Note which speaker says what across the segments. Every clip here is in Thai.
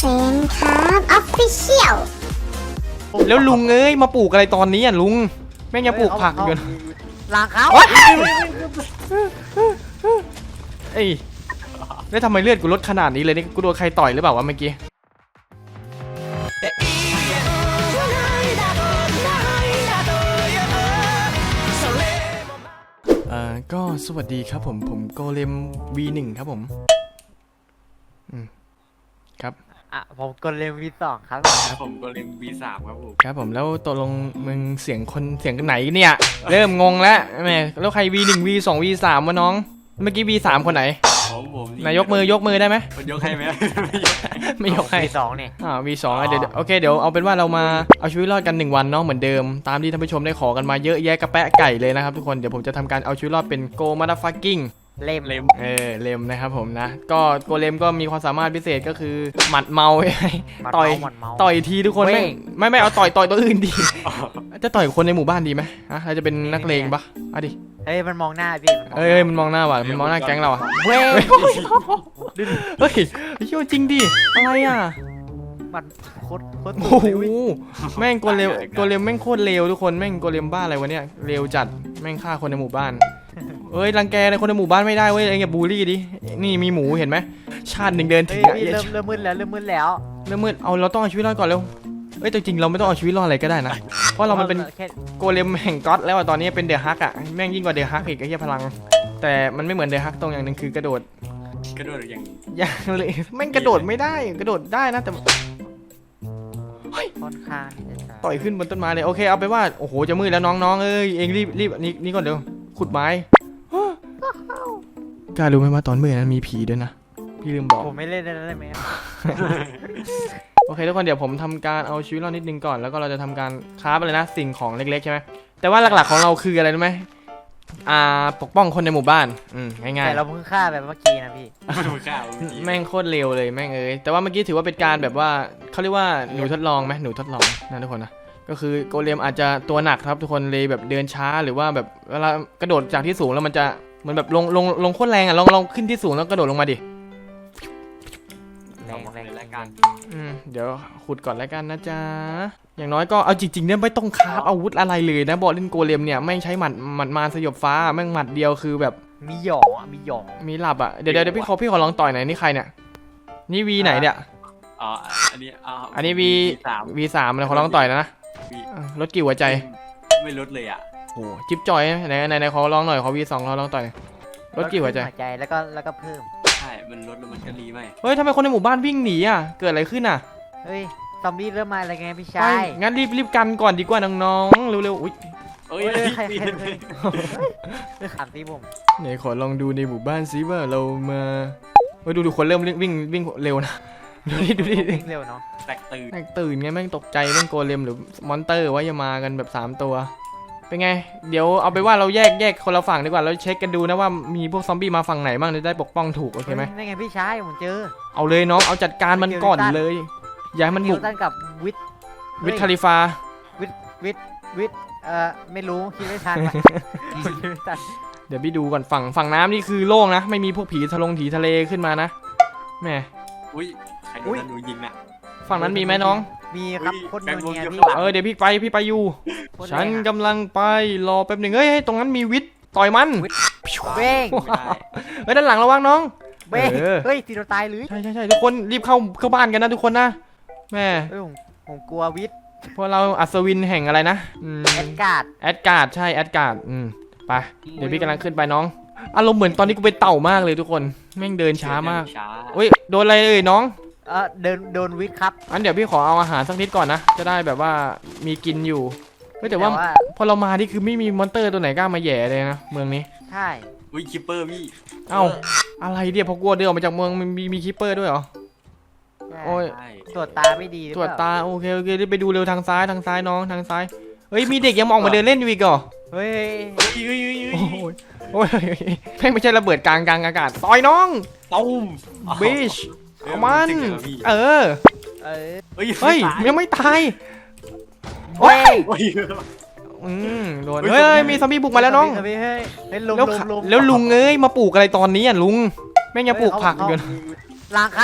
Speaker 1: เซนครับออฟฟิเชียล
Speaker 2: แล้วลุงเอ้ยมาปลูกอะไรตอนนี้อ่ะลุงแม่งยังปลูกผักอยู่
Speaker 3: หลังเขา
Speaker 2: เอ้ยแล้วทำไมเลือดกูลดขนาดนี้เลยนี่กูโดนใครต่อยหรือเปล่าวะเมื่อกี้ก็สวัสดีครับผมโกเลม V1 ครับผมครับ
Speaker 3: ผมกดเลมV2ครับ
Speaker 4: ผมก็เล่น B3 ครับผม
Speaker 2: ครับผมแล้วตกลงมึงเสียงกันไหนเนี่ยเริ่มงงแล้วแม่แล้วใคร V1 V2 V3 วะน้องเมื่อกี้ V3 คนไหน
Speaker 4: ผม
Speaker 2: นายยกมือได้ไหม
Speaker 4: มันยกให้ไหม
Speaker 2: ไม่ยกให้
Speaker 3: V2นี่
Speaker 2: V2 เดี๋ยวโอเคเดี๋ยวเอาเป็นว่าเรามาเอาชีวิตรอดกัน1วันเนาะเหมือนเดิมตามที่ท่านผู้ชมได้ขอกันมาเยอะแยะกระแปะไก่เลยนะครับทุกคนเดี๋ยวผมจะทำการเอาชีวิตรอดเป็นโกมาดาฟักกิ้ง
Speaker 3: เล่ม
Speaker 2: เลมนะครับผมนะก็โกเลมก็มีความสามารถพิเศษก็คือหมัดเมาต่อยทีทุกคนไม่เอาต่อยตัวอื่นดีจะต่อยคนในหมู่บ้านดีไหมเราจะเป็นนักเลงปะดิ
Speaker 3: เฮ้ยมันมองหน้าพี่
Speaker 2: มันมองหน้าว่ะมันมองหน้าแก๊งเรา
Speaker 3: เว้ย
Speaker 2: เฮ้ยเชื่อจริงดิอะไรอ่ะ
Speaker 3: มันโคตร
Speaker 2: โอ้โหแม่งโกเลมแม่งโคตรเลวทุกคนแม่งโกเลมบ้าอะไรวะเนี่ยเลวจัดแม่งฆ่าคนในหมู่บ้านเอ้ยรังแกในคนในหมู่บ้านไม่ได้เว้ยอย่าบูลลี่ดินี่มีหมูเห็นไหมชาติหนึ่งเดินถึง
Speaker 3: เริ่มมืดแล้ว
Speaker 2: เอาเราต้องเอาชีวิตรอดก่อนเร็วเอ้ยแต่จริงเราไม่ต้องเอาชีวิตรอดอะไรก็ได้นะเพราะเรามันเป็นโกเลมแห่งก๊อตแล้วตอนนี้เป็นเดอะฮักอ่ะแม่งยิ่งกว่าเดอะฮักอีกไอ้เหี้ยพลังแต่มันไม่เหมือนเดอะฮักตรงอย่างหนึ่งคือกระโดดอย่างเลยแม่งกระโดดไม่ได้กระโดดได้นะแต่
Speaker 3: ค่อนข้าง
Speaker 2: ต่อยขึ้นบนต้นไม้เลยโอเคเอาไปว่าโอ้โหจะมืดแล้วน้องเอ้ยเองรีบนี่ก่อนเดี๋ยวขุดไม้กล้ารู้ไหมว่าตอนมืดนั้นมีผีด้วยนะพี่ลืมบอก
Speaker 3: ผมไม่เล่นได้ไหม
Speaker 2: โอเคทุกคนเดี๋ยวผมทำการเอาชีวิตรอดนิดนึงก่อนแล้วก็เราจะทำการคราฟอะไรนะสิ่งของเล็กๆใช่ไหมแต่ว่าหลักๆของเราคืออะไรรู้ไหมปกป้องคนในหมู่บ้านง่ายๆ
Speaker 3: แต่เราเพิ่งฆ่าแบบเมื่อกี้นะพี่
Speaker 2: แม่งโคตรเร็วเลยแม่งเอ้ยแต่ว่าเมื่อกี้ถือว่าเป็นการแบบว่าเขาเรียกว่าหนูทดลองไหมหนูทดลองนะทุกคนนะก็คือโกเลมอาจจะตัวหนักครับทุกคนเลยแบบเดินช้าหรือว่าแบบเวลากระโดดจากที่สูงแล้วมันจะเหมือนแบบลงโคตรแรงอ่ะลองขึ้นที่สูงแล้วกระโดดลงมาดิ
Speaker 3: แรง
Speaker 4: แล้วกัน
Speaker 2: เดี๋ยวขุดก่อนแล้วกันนะจ๊ะอย่างน้อยก็เอาจริงๆเนี่ยไม่ต้องคราฟอาวุธอะไรเลยนะบอกเล่นโกเลมเนี่ยไม่ใช้หมัดมาสยบฟ้าแม่งหมัดเดียวคือแบบ
Speaker 3: มีหยอง
Speaker 2: มีหลับอ่ะเดี๋ยวพี่ขอลองต่อยหน่อยนี่ใครเนี่ยนี่วีไหนเนี่ยอันนี้ V3 เลยขอลองต่อยนะลดกี่หัวใจ
Speaker 4: ไม่ลดเลยอ่ะ
Speaker 2: โอ้จิ๊บจอยไหนขอลองหน่อยขอ V2 เราลองต่อยลดกี่หัวใจ
Speaker 3: แล้วก็เพิ่ม
Speaker 4: ใช่มันลดแล้วมันก็รีไหม
Speaker 2: เฮ้ยทำไมคนในหมู่บ้านวิ่งหนีอ่ะเกิดอะไรขึ้นอ่ะ
Speaker 3: เฮ้ยซอมบี้เริ่มมาอะไรไงพี่ชาย
Speaker 2: งั้นรีบกันก่อนดีกว่าน้องๆเร็วๆอุ้ย
Speaker 3: ใครขำที่ผม
Speaker 2: ไหนขอลองดูในหมู่บ้านซิว่าเรามาดูคนเริ่มวิ่งเร็วนะดูดิ
Speaker 3: วิ่งเร็วเนาะ
Speaker 4: แตก
Speaker 2: ตื่นไงแม่งตกใจแม่งโกเลมหรือมอนเตอร์ว่าจะมากันแบบ3ตัวเป็นไงเดี๋ยวเอาไปว่าเราแยกคนละฝั่งดีกว่าเราเช็คกันดูนะว่ามีพวกซอมบี้มาฝั่งไหนบ้างจะได้ปกป้องถูกโอเคไหม
Speaker 3: นี่ไงพี่ชายผมเจอ
Speaker 2: เอาเลยน้องเอาจัดการมันก่อนเลยอย่าให้มันบุก
Speaker 3: กับ
Speaker 2: วิทคาลิฟา
Speaker 3: วิทไม่รู้คิดไม่ทัน
Speaker 2: เดี๋ยวพี่ดูก่อนฝั่งน้ำนี่คือโล่งนะไม่มีพวกผีทะเลขึ้นมานะแม่
Speaker 4: ใครโดนหนูยิงน่ะ
Speaker 2: ฝั่งนั้นมีไหมน้อง
Speaker 3: มีครับคนเดียว
Speaker 2: เดี๋ยวพี่ไปอยู่ฉันกำลังไปรอแป๊บหนึ่งเฮ้ยตรงนั้นมีวิทต่อยมัน
Speaker 3: เบ้ง
Speaker 2: ด้านหลังระวังน้อง
Speaker 3: เบ้งเฮ้ยตีเราตายหรือ
Speaker 2: ใช่ทุกคนรีบเข้าบ้านกันนะทุกคนนะแม่
Speaker 3: ผมกลัววิท
Speaker 2: เพราะเราอัศวินแห่งอะไรนะ
Speaker 3: แอดการ์ด
Speaker 2: ใช่แอดการ์ดไปเดี๋ยวพี่กำลังขึ้นไปน้องอารมณ์เหมือนตอนนี้กูเป็นเต่ามากเลยทุกคนแม่งเดินช้ามากโดนอะไรน้อง
Speaker 3: โดนวิทครับ
Speaker 2: อันเดี๋ยวพี่ขอเอาอาหารสักนิดก่อนนะจะได้แบบว่ามีกินอยู่แต่ว่าพอเรามานี่คือไม่มีมอนเตอร์ตัวไหนกล้ามาแย่เลยนะเมืองนี้
Speaker 3: ใช่
Speaker 4: คิปเปอร์พี่
Speaker 2: อะไรเดี๋ยวพอกลัวเดินออกมาจากเมืองมีคิปเปอร์ด้วยเหรอ
Speaker 3: โอ้ยตรวจตาไม่ดี
Speaker 2: ตรวจตาโอเคไปดูเร็วทางซ้ายน้องทางซ้ายเฮ้ยมีเด็กยังมองมาเดินเล่นอยู่อีกเหรอ
Speaker 3: เฮ้ย
Speaker 2: โอ้ยไม่ใช่ระเบิดกลางอากาศต่อยน้อง
Speaker 4: ตูม
Speaker 2: บิชมันเฮ้ยยังไม่ตายโอ้ยโดนเฮ้ยมีซอมบี้บุกมาแล้วน้อง
Speaker 3: แล้ว
Speaker 2: ลุงเอ้ยมาปลูกอะไรตอนนี้อ่ะลุงแม่งยังปลูกผักอยู่
Speaker 3: หลังเขา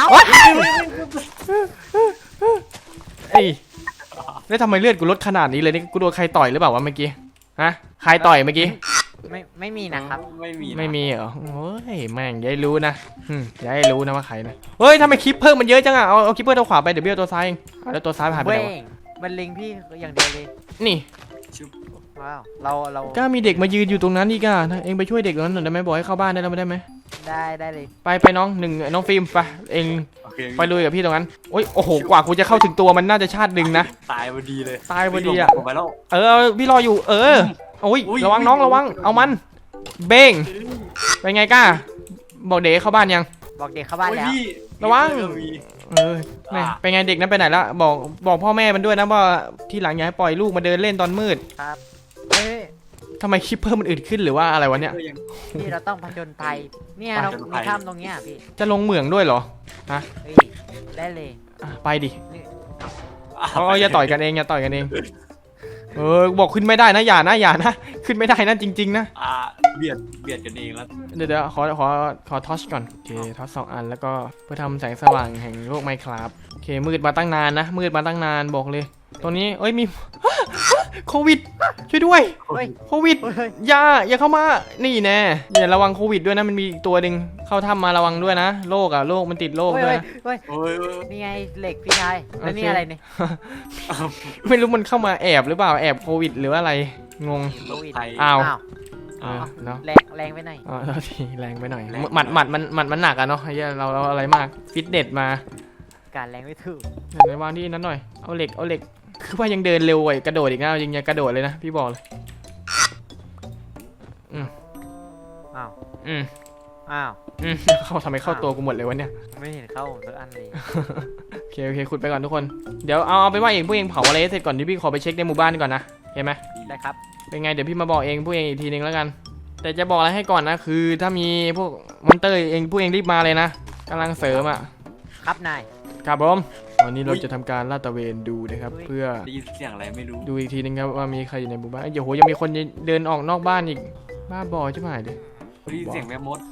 Speaker 2: เอ้ยแล้วทำไมเลือดกูลดขนาดนี้เลยนี่กูโดนใครต่อยหรือเปล่าวะเมื่อกี้ฮะใครต่อยเมื่อกี้
Speaker 3: ไม่มีนะครับ
Speaker 4: ไม่มีนะ
Speaker 2: ไม่มีเหรอโอ้ยแม่งอย่าให้รู้นะอย่าให้รู้นะว่าใครนะเฮ้ยทำไมคลิปเพิ่มมันเยอะจังอ่ะเอาคลิปเพิ่มตัวขวาไปเดี๋ยวเบี้ยวตัวซ้ายเองแล้วตัวซ้ายผ่านไป
Speaker 3: เว้
Speaker 2: ไหน
Speaker 3: ง
Speaker 2: วะ
Speaker 3: มันลิงพี่อย่างเดียวเลย
Speaker 2: นี่
Speaker 4: ชุบ
Speaker 3: ว้าวเรา
Speaker 2: ก็มีเด็กมายืนอยู่ตรงนั้นอีกอ่ะเองไปช่วยเด็กตรงนั้นหน่อยได้ไหมบอกให้เข้าบ้านได้แล้วไม่ได้ไหม
Speaker 3: ได้เลย
Speaker 2: ไปน้องหนึ่งน้องฟิล์มไปเอง
Speaker 4: โอเค
Speaker 2: ไปลุยกับพี่ตรงนั้นโอ้ยโอ้โหกว่ากูจะเข้าถึงตัวมันน่าจะชาติหนึ่งนะ
Speaker 4: ตายพอดีเลย
Speaker 2: ตายพอดีอะ
Speaker 4: ผมไปแล้ว
Speaker 2: พี่รออยู่โอ้ย
Speaker 4: อุ๊ย
Speaker 2: ระวังน้องระวังเอามันเบ้งเป็นไงก้าบอกเด็กเข้าบ้านยัง
Speaker 3: บอกเด็กเข้าบ้านแล้ว
Speaker 4: โอ้ยพี่
Speaker 2: ระวัง
Speaker 4: เออมี
Speaker 2: แม่เป็นไงเด็กนั้นไปไหนละบอกพ่อแม่มันด้วยนะว่าที่หลังอย่าให้ปล่อยลูกมาเดินเล่นตอนมืด
Speaker 3: ครับเฮ้ย
Speaker 2: ทำไมคลิปเพิ่มมันอื่นขึ้นหรือว่าอะไรวะเนี่ย
Speaker 4: ก็ยัง
Speaker 3: พี่เราต้องผจญภัยเนี่ยเรา
Speaker 4: ผจญภั
Speaker 3: มี
Speaker 4: ย
Speaker 3: ถ้ำตรงเนี้ยพี่
Speaker 2: จะลงเหมืองด้วยเหรอ
Speaker 3: เฮ้ยได้เลย
Speaker 2: ไปดิ
Speaker 3: นี่
Speaker 2: อย่าต่อยกันเองอย่าต่อยกันเองบอกขึ้นไม่ได้นะอย่านะขึ้นไม่ได้นะจริงๆนะ
Speaker 4: เบียดกันเองแล้ว
Speaker 2: เดี๋ยวขอทอชก่อนโอเคทอช2 อันแล้วก็เพื่อทำแสงสว่างแห่งโลกไมค์ครับโอเคมืดมาตั้งนานนะมืดมาตั้งนานบอกเลยตรงนี้มี โควิดช่วยด้วย
Speaker 3: เฮ้ย
Speaker 2: โควิด
Speaker 3: เฮ้ย
Speaker 2: อย่าเข้ามานี่แน่อย่าระวังโควิดด้วยนะมันมีอีกตัวหนึ่งเข้าถ้ำมาระวังด้วยนะโรคมันติดโรคด้วยนะ
Speaker 3: เฮ้ย
Speaker 4: โอ้ย
Speaker 3: นี่ไงเหล็กพี่ชายแล้วนี่
Speaker 2: โอเค
Speaker 3: อะไรเนี่ย
Speaker 2: ไม่รู้มันเข้ามาแอบหรือเปล่าแอบโควิดหรืออะไรงง
Speaker 4: โรคภัย
Speaker 2: อ้าว เนาะ
Speaker 3: แรงไปหน่อย
Speaker 2: ทีแรงไปหน่อย
Speaker 4: แรง
Speaker 2: หมัดมันหนักอะเนาะไอ้เหี้ยเราอะไรมากฟิตเนสมา
Speaker 3: การแรงไม่ถูก
Speaker 2: ในวางที่นั้นหน่อยเอาเหล็กคือว่ายังเดินเร็วกว่ากระโดดอีกนะยังกระโดดเลยนะพี่บอกเลย
Speaker 3: อ้าว
Speaker 2: อืม
Speaker 3: อ้าว
Speaker 2: เข้าทำไมเข้าตัวกูหมดเลยวะเนี่ย
Speaker 3: ไม่เห็นเข้าผมสักอันเลย
Speaker 2: โอเคขุดไปก่อนทุกคนเดี๋ยวเอาไปว่าพวกเองเผาอะไรให้เสร็จก่อนที่พี่ขอไปเช็คในหมู่บ้านก่อนนะเห็นไหม
Speaker 3: ได้ครับ
Speaker 2: เป็นไงเดี๋ยวพี่มาบอกเองพวกเองอีกทีนึงแล้วกัน แต่จะบอกอะไรให้ก่อนนะคือถ้ามีพวกมอนเตอร์พวกเองรีบมาเลยนะกำลังเสริมอ่ะ
Speaker 3: ครับนาย
Speaker 2: ครับผมวันนี้เราจะทำการลาดตระเวนดูนะครับเพื่อ
Speaker 4: ได้ยินเสียงอะไรไม่รู้
Speaker 2: ดูอีกทีนึงครับว่ามีใครอยู่ในหมู่บ้านเดี๋ยวโหยังมีคนเดินออกนอกบ้านอีกบ้าบอใช่ไหมดิ
Speaker 4: ได้ยินเสียงแม่มด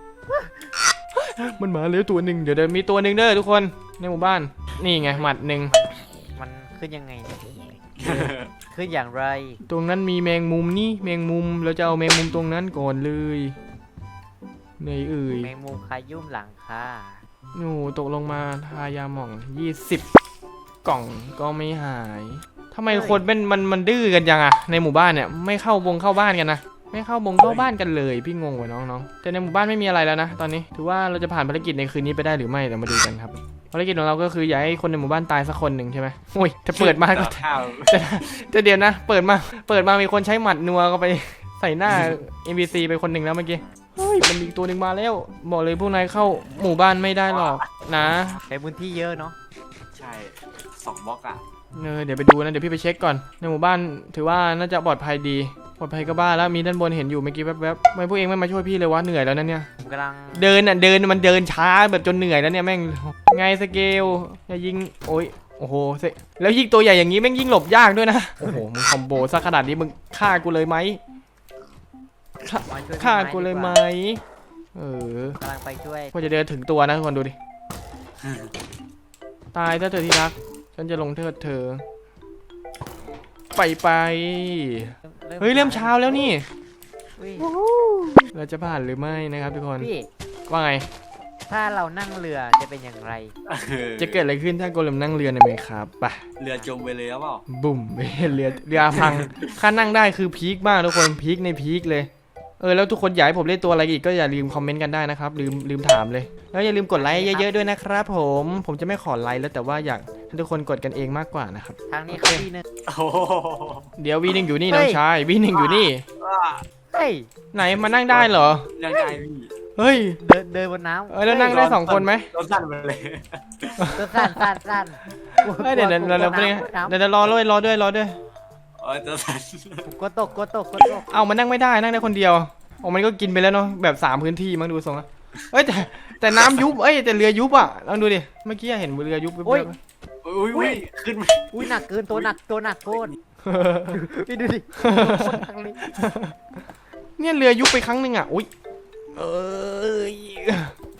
Speaker 2: มันมาแล้วตัวหนึ่งเดี๋ยวมีตัวหนึ่งเด้อทุกคนในหมู่บ้านนี่ไงหมัดหนึ่ง
Speaker 3: มันขึ้นยังไงเนี่ยขึ้นอย่างไร
Speaker 2: ตรงนั้นมีแมงมุมนี่แมงมุมเราจะเอาแมงมุมตรงนั้นก่อนเลยไหนเอ่ย
Speaker 3: แมงมุมขยุ่มหลังค่ะ
Speaker 2: โอ้ตกลงมาทายาหม่อง20 กล่องก็ไม่หายทำไมคนเป็นมันดื้อกันจังอะในหมู่บ้านเนี่ยไม่เข้าบ้านกันนะไม่เข้าบ้านกันเลยพี่งงว่ะน้องๆแต่ในหมู่บ้านไม่มีอะไรแล้วนะตอนนี้ถือว่าเราจะผ่านภารกิจในคืนนี้ไปได้หรือไม่เดี๋ยวมาดูกันครับภารกิจของเราก็คืออยากให้คนในหมู่บ้านตายสักคนหนึ่งใช่ไหมโอ้ยถ้าเปิดมาก็
Speaker 4: ข้าว
Speaker 2: จะเดี๋ยวนะเปิดมามีคนใช้หมัดนัวก็ไปใส่หน้า NPC ไปคนหนึ่งแล้วเมื่อกี้เฮ้ยมันมีตัวหนึ่งมาแล้วบอกเลยพวกนายเข้าหมู่บ้านไม่ได้หรอกนะ
Speaker 3: ใช้พื้นที่เยอะเนาะ
Speaker 4: ใช่2 บล็อกอ่ะ
Speaker 2: เดี๋ยวไปดูนะเดี๋ยวพี่ไปเช็คก่อนในหมู่บ้านถือว่าน่าจะปลอดภัยดีปลอดภัยก็บ้าแล้วมีด้านบนเห็นอยู่เมื่อกี้แวบๆไม่พวกเองไม่มาช่วยพี่เลยวะเหนื่อยแล้วนะเนี่ย
Speaker 3: ผมกำลัง
Speaker 2: เดินมันเดินช้าแบบจนเหนื่อยแล้วเนี่ยแม่งไงสเกลอย่ายิงโอ้ยโอ้โหแล้วยิงตัวใหญ่อย่างนี้แม่งยิงหลบยากด้วยนะโอ้โหมึงคอมโบซะขนาดนี้มึงฆ่ากูเลยไหม
Speaker 3: มาช่วย
Speaker 2: ฆ่ากูเลยไหม
Speaker 3: กำลังไปช่วย
Speaker 2: พอจะเดินถึงตัวนะทุกคนดูดิตายถ้าเธอที่รักฉันจะลงเทิดเธอไปเฮ้ยเริ่มเช้าแล้วนี่
Speaker 3: อุ๊ย
Speaker 2: เราจะผ่านหรือไม่นะครับทุกคน
Speaker 3: พี่
Speaker 2: ว่าไง
Speaker 3: ถ้าเรานั่งเรือจะเป็นอย่างไร
Speaker 2: จะเกิดอะไรขึ้นถ้าโกเลมนั่งเรือในไหมครับไป
Speaker 4: เรือจมไปเลยหรือเปล่า
Speaker 2: บุ่ม เรือพังค่านั่งได้คือพีคมากทุกคนพีคในพีคเลยแล้วทุกคนอยากให้ผมเล่นตัวอะไรอีกก็อย่าลืมคอมเมนต์กันได้นะครับลืมถามเลยแล้วอย่าลืมกดไลค์เยอะๆด้วยนะครับผมจะไม่ขอไลค์แล้วแต่ว่าอยากให้ทุกคนกดกันเองมากกว่านะครับ
Speaker 3: ทางนี้เขาที่หนึง
Speaker 4: โอ้โห
Speaker 2: เดี๋ยวV1อยู่นี่
Speaker 3: เฮ้
Speaker 2: น้อย งชายV1อยู่นี่
Speaker 3: เฮ้ย
Speaker 2: ไหนมานั่งได้เหรอ
Speaker 4: ยังไงพี่
Speaker 2: เฮ้ย
Speaker 3: เดินบนน้ำ
Speaker 2: แล้วนั่งได้2 คนไหม
Speaker 4: รถสั่นไปเลย
Speaker 3: ตัวสั้น
Speaker 2: เฮ้ยเดี๋ยวรอด้วย
Speaker 4: ตัวสั่น
Speaker 3: ผมกดตก
Speaker 2: เอามันนั่งไม่ได้นั่งได้คนเดียวมันก็กินไปแล้วเนาะแบบ3 พื้นที่มั้งดูทรงอะแต่น้ำยุบแต่เรือยุบอ่ะลองดูดิเมื่อกี้เห็นเรือยุบ
Speaker 4: อุ้ยขึ้นไป
Speaker 3: อุ้ยหนักเกินตัวหนักโคตรพี่ดูดิคนทางนี้
Speaker 2: เนี่ยเรือยุบไปครั้งหนึ่งอ่ะอุ้ย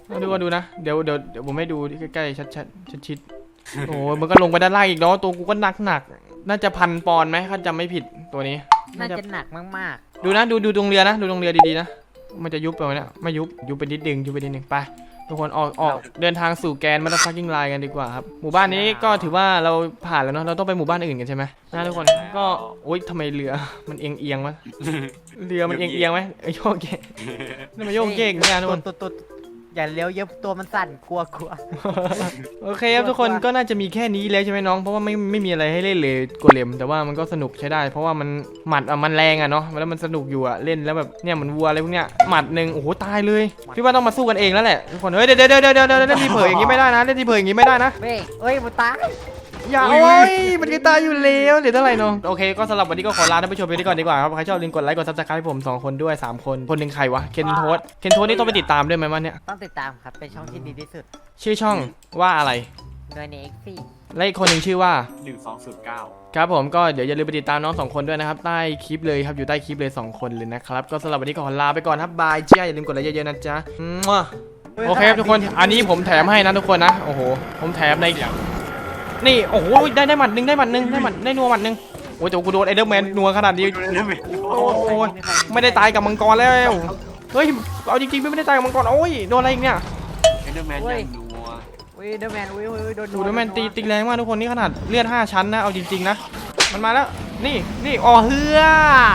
Speaker 2: เอาดูนะเดี๋ยวผมให้ดูใกล้ๆชัดชิดๆโอ้ยมันก็ลงไปด้านล่างอีกเนาะตัวกูก็หนักน่าจะ1,000 ปอนด์ไหมถ้าจำไม่ผิดตัวนี้
Speaker 3: น่าจะหนักมาก
Speaker 2: ดูนะดูตรงเรือนะดูตรงเรือดีๆนะมันจะยุบไปไหมเนี่ยไม่ยุบไปนิดนึงไปทุกคนออกเดินทางสู่แกนมาตาฟักกิ้งไลน์กันดีกว่าครับหมู่บ้านนี้ก็ถือว่าเราผ่านแล้วเนาะเราต้องไปหมู่บ้านอื่นกันใช่ไหมนะทุกคนก็โอ๊ยทำไมเรือมันเอียงวะเรือมันเอียงไหมโยกเยกนี่มันโยกเยกเนี่ยทุกคน
Speaker 3: ตัวอย่าเลี้ยวเยอะตัวมันสั่นกลัว
Speaker 2: โอเคครับทุกคนก็น่าจะมีแค่นี้แล้วใช่ไหมน้องเพราะว่าไม่มีอะไรให้เล่นเลยโกเลมแต่ว่ามันก็สนุกใช้ได้ เพราะว่ามันหมัดมันแรงอะเนาะแล้วมันสนุกอยู่อะเล่นแล้วแบบเนี่ยเหมือนวัวอะไรพวกเนี้ยหมัดหนึ่งโอ้โหตายเลยพี่ว่าต้องมาสู้กันเองแล้วแหละทุกคนเฮ้ยเดี๋ยวเล่นที่เผยอย่างงี้ไม่ได้นะเล่นที่เผยอย่างงี้ไม่ได้นะ
Speaker 3: เฮ้ยมันตาย
Speaker 2: อย่าโอ้ยมันก็ตายอยู่แล้วเหลือเท่าไหร่น้องโอเคก็สำหรับวันนี้ก็ขอลาท่านผู้ชมไปก่อนดีกว่าครับใครชอบลืมกดไลค์กดซับสไครป์ผม2 คนด้วย3 คนคนหนึ่งใครวะเคนโทสนี่ต้องไปติดตามด้วยไหมวะเนี่ย
Speaker 3: ต้องติดตามครับเป็นช่องที่ดีที่สุด
Speaker 2: ชื่อช่องว่าอะไร
Speaker 3: โดยใน X4
Speaker 2: และอีกคนหนึ่งชื่อว่า
Speaker 4: 1209
Speaker 2: ครับผมก็เดี๋ยวอย่าลืมไปติดตามน้อง2 คนด้วยนะครับใต้คลิปเลยครับอยู่ใต้คลิปเลย2 คนเลยนะครับก็สำหรับวันนี้ก็ขอลาไปก่อนครับบายเจ้าอย่าลืมกดไลค์เยอะๆนะจ๊ะโอเคทุกคนอันนี้ผมแถมให้นะทุกคนนะโอ้โหผมแถมในนี่โอ้โหได้หมัดหนึ่งได้นัวหมัดหนึ่งโอ้ยแต่กูโดนไอเดอร์แมนนัวขนาดนี้โอ้ยไม่ได้ตายกับมังกรแล้วเฮ้ยเอาจริงๆไม่ได้ตายกับมังกรโอ้ยโดนอะไรอีกเนี่ย
Speaker 4: เอนเดอร์แมนยังนัว
Speaker 3: เดอร์แมนโดน
Speaker 2: ดูแล้วแมนตีแรงมากทุกคนนี่ขนาดเลือด5 ชั้นนะเอาจริงๆนะมันมาแล้วนี่อ๋อเฮือ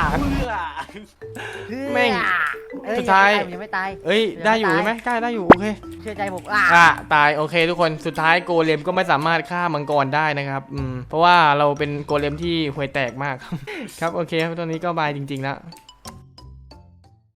Speaker 2: แม่งสุดท้าย
Speaker 3: ยังไม่ตาย
Speaker 2: เอ้ยได้อยู่ใช่ไหมใกล้ได้อยู่โอเค
Speaker 3: เชื่อใจผม
Speaker 2: ตายโอเคทุกคนสุดท้ายโกเลมก็ไม่สามารถฆ่ามังกรได้นะครับเพราะว่าเราเป็นโกเลมที่ห่วยแตกมาก ครับโอเคครับตอนนี้ก็บายจริงๆแล้ว